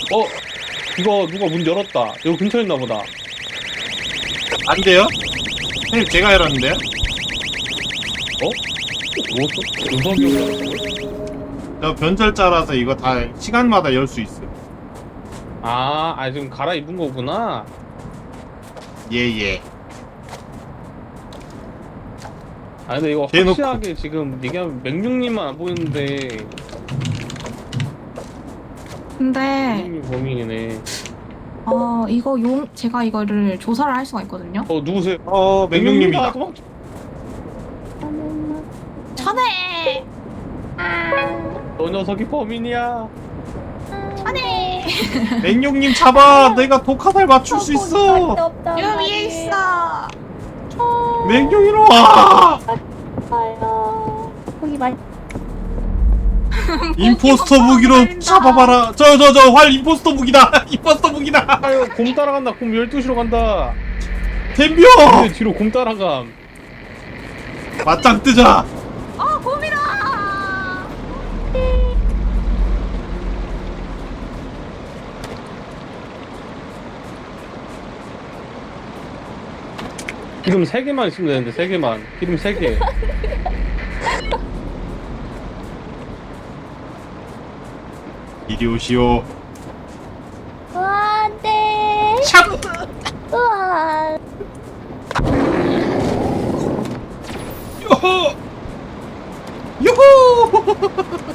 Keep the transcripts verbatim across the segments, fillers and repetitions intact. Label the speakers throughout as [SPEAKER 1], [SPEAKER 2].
[SPEAKER 1] 어? 이거 누가 문 열었다. 여기 근처에 있나 보다.
[SPEAKER 2] 안 돼요? 형님 제가 열었는데요?
[SPEAKER 1] 어? 뭐였어? 은석이 형이
[SPEAKER 2] 저 변절자라서 이거 다 시간마다 열 수 있어요.
[SPEAKER 1] 아, 아 지금 갈아입은 거구나.
[SPEAKER 2] 예예.
[SPEAKER 1] 아 근데 이거
[SPEAKER 2] 대놓고.
[SPEAKER 1] 확실하게 지금 얘기하면 맹룡님만 안 보이는데
[SPEAKER 3] 근데
[SPEAKER 1] 맹룡님 범인이네.
[SPEAKER 3] 어 이거 용 제가 이거를 조사를 할 수가 있거든요.
[SPEAKER 1] 어 누구세요?
[SPEAKER 2] 어 맹룡님이다.
[SPEAKER 1] 도망쳐.
[SPEAKER 3] 천해
[SPEAKER 1] 너 녀석이 범인이야.
[SPEAKER 3] 천해
[SPEAKER 2] 맹룡님 잡아. 내가 독화살 맞출 수 있어.
[SPEAKER 3] 여기 위에 있어.
[SPEAKER 2] 맹룡이로 와.
[SPEAKER 4] 거기 말.
[SPEAKER 2] 임포스터 무기로 잡아봐라. 저 저 저 활 임포스터 무기다. 임포스터 무기다.
[SPEAKER 1] 아유 곰 따라간다. 곰 열두 시로 간다.
[SPEAKER 2] 덤벼.
[SPEAKER 1] 근데 뒤로 곰 따라감.
[SPEAKER 2] 맞짱 뜨자.
[SPEAKER 3] 아 곰이다.
[SPEAKER 1] 기름 세 개만 있으면 되는데 세 개만. 기름 세 개.
[SPEAKER 2] 이리 오시오.
[SPEAKER 4] 와, 안 돼.
[SPEAKER 2] 샷.
[SPEAKER 4] 우와.
[SPEAKER 2] 요호. 요호.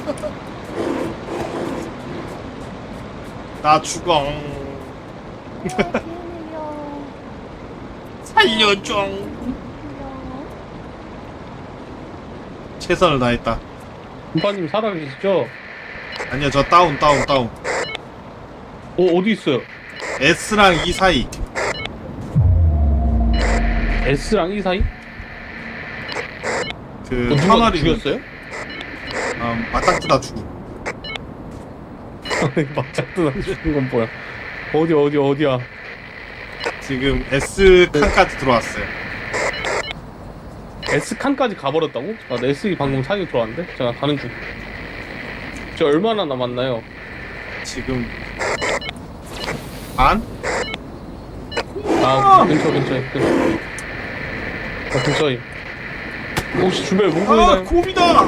[SPEAKER 2] 나 죽어. 살려줘. 최선을 다했다.
[SPEAKER 1] 곰파님 살아계시죠?
[SPEAKER 2] 아니요, 저 다운 다운 다운.
[SPEAKER 1] 어 어디 있어요?
[SPEAKER 2] S랑 E 사이.
[SPEAKER 1] S랑 E 사이?
[SPEAKER 2] 그
[SPEAKER 1] 어, 누가
[SPEAKER 2] 터널이
[SPEAKER 1] 죽였어요?
[SPEAKER 2] 음, 맞짱 뜨다 죽음.
[SPEAKER 1] 맞짱 뜨나 죽은 건 뭐야? 어디 어디 어디야?
[SPEAKER 2] 지금 S 칸까지 들어왔어요.
[SPEAKER 1] S 칸까지 가버렸다고? 아, 나 S 방금 사기 들어왔는데? 제가 가는 중. 저 얼마나 남았나요?
[SPEAKER 2] 지금 반?
[SPEAKER 1] 아 근처 근처에 근처. 아 근처에. 혹시 주변에 문
[SPEAKER 2] 아,
[SPEAKER 1] 보이나요?
[SPEAKER 2] 곰이다.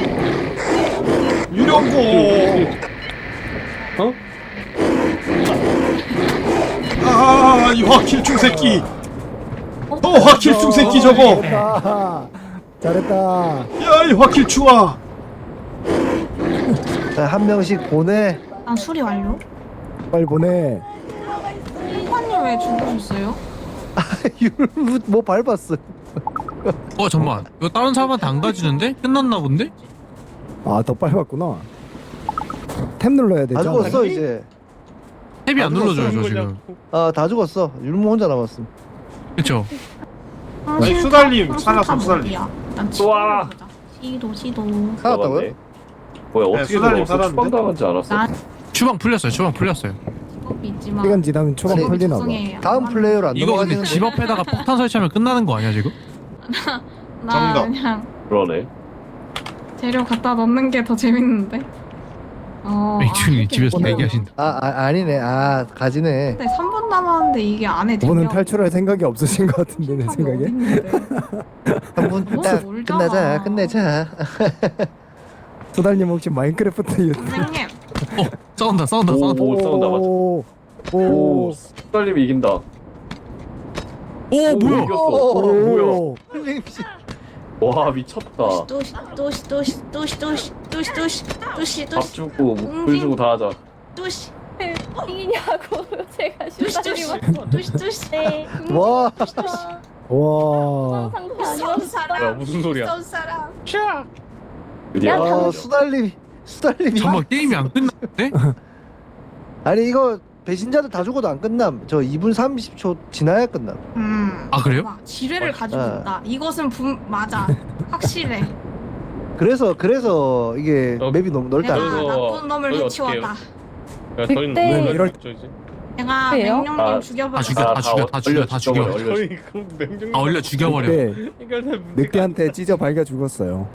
[SPEAKER 2] 유령고.
[SPEAKER 1] 어?
[SPEAKER 2] 아, 이 화킬충 새끼. 어, 화킬충 새끼 저거.
[SPEAKER 5] 잘했다. 잘했다.
[SPEAKER 2] 야, 이 화킬충아.
[SPEAKER 5] 자, 한 명씩 보내.
[SPEAKER 3] 난 수리 완료.
[SPEAKER 5] 빨리 보내.
[SPEAKER 3] 곰파님 왜 죽으셨어요?
[SPEAKER 5] 뭐 밟았어.
[SPEAKER 6] 어 잠만 이거 다른 사람한테 안 가지는데? 끝났나 본데?
[SPEAKER 5] 아, 더 밟았구나. 탭 눌러야
[SPEAKER 7] 다
[SPEAKER 5] 되잖아.
[SPEAKER 7] 죽었어 이제.
[SPEAKER 6] 탭이 안 눌러져요 저
[SPEAKER 1] 거냐고.
[SPEAKER 6] 지금.
[SPEAKER 7] 아 다 죽었어. 율무 혼자 남았음.
[SPEAKER 6] 그쵸?
[SPEAKER 3] 아,
[SPEAKER 2] 아니,
[SPEAKER 3] 싫다.
[SPEAKER 2] 수달님,
[SPEAKER 3] 아,
[SPEAKER 2] 살았어,
[SPEAKER 3] 싫다,
[SPEAKER 2] 수달님.
[SPEAKER 3] 어디야? 난
[SPEAKER 8] 우와.
[SPEAKER 3] 지도 보자. 시도 시도.
[SPEAKER 7] 살았다고요?
[SPEAKER 8] 뭐야
[SPEAKER 2] 네,
[SPEAKER 8] 어떻게
[SPEAKER 2] 수달님
[SPEAKER 8] 들어갔어?
[SPEAKER 2] 살았는데?
[SPEAKER 8] 추방당하지 않았어?
[SPEAKER 3] 나
[SPEAKER 6] 주방 풀렸어요 주방 풀렸어요.
[SPEAKER 3] 직업이 있지만.
[SPEAKER 5] 시간 지나면 초반
[SPEAKER 7] 아니,
[SPEAKER 5] 풀리나 봐.
[SPEAKER 3] 죄송해요.
[SPEAKER 7] 다음 플레이어로 안
[SPEAKER 6] 이거 근데
[SPEAKER 7] 넘어가지는데.
[SPEAKER 6] 집 앞에다가 폭탄 설치하면 끝나는 거 아니야 지금?
[SPEAKER 3] 나
[SPEAKER 2] 정답.
[SPEAKER 3] 그냥
[SPEAKER 8] 그러네.
[SPEAKER 3] 재료 갖다 넣는 게 더 재밌는데. 어.
[SPEAKER 6] 맥주님
[SPEAKER 3] 아,
[SPEAKER 6] 집에서
[SPEAKER 3] 이렇게
[SPEAKER 6] 대기하신다.
[SPEAKER 7] 아, 아 아니네. 아 가지네.
[SPEAKER 3] 근데 삼 분 남았는데 이게 안에
[SPEAKER 5] 그분은
[SPEAKER 3] 들려.
[SPEAKER 5] 탈출할 생각이 없으신 것 같은데 내
[SPEAKER 3] 답이
[SPEAKER 5] 생각에.
[SPEAKER 3] 어딨는데.
[SPEAKER 7] 한 분
[SPEAKER 3] 너무
[SPEAKER 7] 딱
[SPEAKER 3] 멀잖아.
[SPEAKER 7] 끝내자. 끝내자.
[SPEAKER 5] 소달님 혹시 마인크래프트 유...
[SPEAKER 3] 선생님.
[SPEAKER 6] 어 싸운다 싸운다
[SPEAKER 8] 오,
[SPEAKER 6] 싸운다.
[SPEAKER 8] 오 싸운다 맞아.
[SPEAKER 5] 오.
[SPEAKER 8] 오,
[SPEAKER 5] 오.
[SPEAKER 8] 수달님이 이긴다.
[SPEAKER 6] 오 뭐야?
[SPEAKER 8] 이겼어. 어, 뭐야?
[SPEAKER 5] 오.
[SPEAKER 8] 와 미쳤다.
[SPEAKER 3] 또시 또시 또시 또시 또시 또시 또시 또시
[SPEAKER 8] 밥
[SPEAKER 3] 또시
[SPEAKER 8] 주고 물 주고 다 하자.
[SPEAKER 3] 또시
[SPEAKER 4] 이기냐고 제가
[SPEAKER 3] 또시 또시
[SPEAKER 4] 슈퍼님한테.
[SPEAKER 3] 또시 또시
[SPEAKER 4] 네.
[SPEAKER 7] 와.
[SPEAKER 5] 와.
[SPEAKER 4] 상대
[SPEAKER 3] 무서운
[SPEAKER 4] 아니었어.
[SPEAKER 1] 뭐야
[SPEAKER 3] 사람
[SPEAKER 1] 무슨 소리야?
[SPEAKER 3] 무서운 사람
[SPEAKER 1] 샤!
[SPEAKER 8] 드디어.
[SPEAKER 7] 아 수달님. 수달님이.
[SPEAKER 6] 잠만 게임이 안 끝났는데?
[SPEAKER 7] 아니 이거 배신자들 다 죽어도 안 끝남. 저 이 분 삼십 초 지나야 끝남.
[SPEAKER 3] 음.
[SPEAKER 6] 아 그래요?
[SPEAKER 3] 와, 지뢰를 가지고
[SPEAKER 7] 아.
[SPEAKER 3] 있다. 이것은 분 맞아. 확실해.
[SPEAKER 7] 그래서 그래서 이게
[SPEAKER 1] 어,
[SPEAKER 7] 맵이 너무 넓다.
[SPEAKER 3] 내가
[SPEAKER 1] 그래서
[SPEAKER 3] 나쁜 놈을
[SPEAKER 1] 저희
[SPEAKER 3] 해치웠다.
[SPEAKER 1] 야 저희는
[SPEAKER 4] 그때-
[SPEAKER 1] 뭐
[SPEAKER 5] 이럴-
[SPEAKER 1] 저 이제
[SPEAKER 3] 내가
[SPEAKER 4] 그래요?
[SPEAKER 3] 맹룡님
[SPEAKER 8] 아,
[SPEAKER 3] 죽여버렸어.
[SPEAKER 6] 다 죽여 다 죽여 다 죽여 다 죽여.
[SPEAKER 8] 얼려.
[SPEAKER 1] 저희 그럼 맹종
[SPEAKER 6] 아 얼려 죽여버려.
[SPEAKER 5] 네. 늑대한테 찢어 발겨 죽었어요.